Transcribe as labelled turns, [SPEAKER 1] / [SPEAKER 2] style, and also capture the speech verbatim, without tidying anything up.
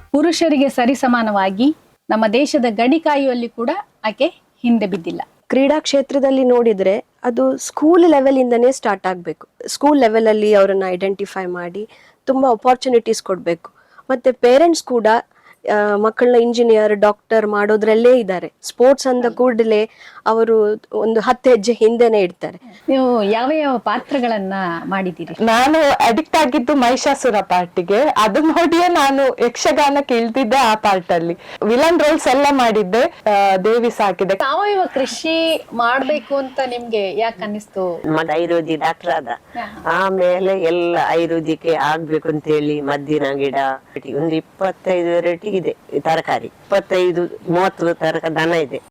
[SPEAKER 1] ಪುರುಷರಿಗೆ ಸರಿಸಮಾನವಾಗಿ ನಮ್ಮ ದೇಶದ ಗಡಿ ಕಾಯುವಲ್ಲಿ ಕೂಡ ಆಕೆ ಹಿಂದೆ ಬಿದ್ದಿಲ್ಲ.
[SPEAKER 2] ಕ್ರೀಡಾ ಕ್ಷೇತ್ರದಲ್ಲಿ ನೋಡಿದ್ರೆ ಅದು ಸ್ಕೂಲ್ ಲೆವೆಲ್ ಇಂದನೇ ಸ್ಟಾರ್ಟ್ ಆಗಬೇಕು. ಸ್ಕೂಲ್ ಲೆವೆಲ್ ಅಲ್ಲಿ ಅವರನ್ನ ಐಡೆಂಟಿಫೈ ಮಾಡಿ ತುಂಬಾ ಅಪಾರ್ಚುನಿಟೀಸ್ ಕೊಡಬೇಕು. ಮತ್ತೆ ಪೇರೆಂಟ್ಸ್ ಕೂಡ ಮಕ್ಕಳನ್ನ ಇಂಜಿನಿಯರ್ ಡಾಕ್ಟರ್ ಮಾಡೋದ್ರಲ್ಲೇ ಇದ್ದಾರೆ. ಸ್ಪೋರ್ಟ್ಸ್ ಅಂದ ಕೂಡಲೇ ಅವರು ಒಂದು ಹತ್ತು ಹೆಜ್ಜೆ ಹಿಂದೆನೆ ಇಡ್ತಾರೆ.
[SPEAKER 1] ನೀವು ಯಾವ ಯಾವ ಪಾತ್ರಗಳನ್ನ ಮಾಡಿದ್ದೀರಿ?
[SPEAKER 3] ನಾನು ಅಡಿಕ್ಟ್ ಆಗಿದ್ದು ಮಹಿಷಾಸುರ ಪಾರ್ಟಿಗೆ. ಅದು ನೋಡಿಯೇ ನಾನು ಯಕ್ಷಗಾನಕ್ಕೆ ಇಳ್ದಿದ್ದೆ. ಆ ಪಾರ್ಟ್ ಅಲ್ಲಿ ವಿಲನ್ ರೋಲ್ಸ್ ಎಲ್ಲ ಮಾಡಿದ್ದೆ, ದೇವಿ ಸಾಕಿದೆ.
[SPEAKER 1] ಸಾವಯವ ಕೃಷಿ ಮಾಡ್ಬೇಕು ಅಂತ ನಿಮ್ಗೆ ಯಾಕೆ ಅನ್ನಿಸ್ತು?
[SPEAKER 4] ಮದ ಆಯುರ್ವೇದಿಕ್ ಡಾಕ್ಟರ್ ಆದ ಆಮೇಲೆ ಎಲ್ಲ ಆಯುರ್ವೇದಿಕ್ಕೆ ಆಗ್ಬೇಕು ಅಂತ ಹೇಳಿ ಮದ್ದಿನ ಗಿಡ ಒಂದು ಇಪ್ಪತ್ತೈದು ವೆರೈಟಿ ಇದೆ ತರಕಾರಿ. ಇಪ್ಪತ್ತೈದು ಮೂವತ್ತು ತರಕ ದನ ಇದೆ.